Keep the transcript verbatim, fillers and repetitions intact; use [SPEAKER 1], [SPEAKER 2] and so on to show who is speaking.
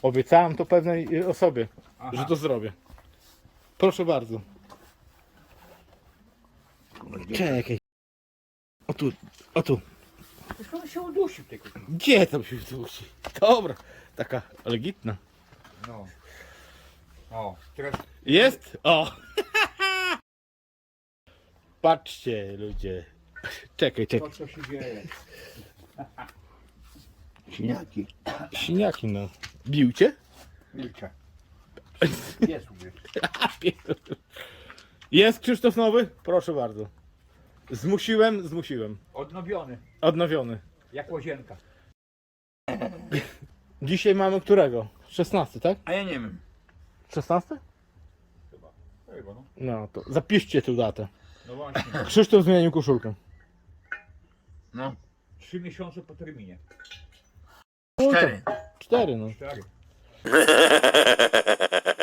[SPEAKER 1] Obiecałem to pewnej y, osobie,
[SPEAKER 2] Aha.
[SPEAKER 1] że to zrobię. Proszę bardzo. Czekaj. O tu, o tu.
[SPEAKER 2] Skąd on się udusił tylko?
[SPEAKER 1] Gdzie tam się dusi? Dobra, taka legitna.
[SPEAKER 2] No. O, teraz
[SPEAKER 1] Jest? O! Patrzcie ludzie. Czekaj,
[SPEAKER 2] to
[SPEAKER 1] czekaj.
[SPEAKER 2] co się dzieje.
[SPEAKER 3] Siniaki.
[SPEAKER 1] Siniaki no. Bił cię?
[SPEAKER 2] Milczę. Jest u mnie.
[SPEAKER 1] Jest Krzysztof Nowy? Proszę bardzo. Zmusiłem, zmusiłem.
[SPEAKER 2] Odnowiony.
[SPEAKER 1] Odnowiony.
[SPEAKER 2] Jak łazienka.
[SPEAKER 1] Dzisiaj mamy którego? szesnasty, tak?
[SPEAKER 3] A ja nie wiem.
[SPEAKER 1] szesnasty?
[SPEAKER 2] Chyba. Chyba no.
[SPEAKER 1] No to zapiszcie tę datę.
[SPEAKER 2] No właśnie.
[SPEAKER 1] Krzysztof zmienił koszulkę.
[SPEAKER 3] No.
[SPEAKER 2] Trzy miesiące po terminie.
[SPEAKER 1] No,
[SPEAKER 3] Cztery.
[SPEAKER 1] to Cztery no.
[SPEAKER 2] Cztery.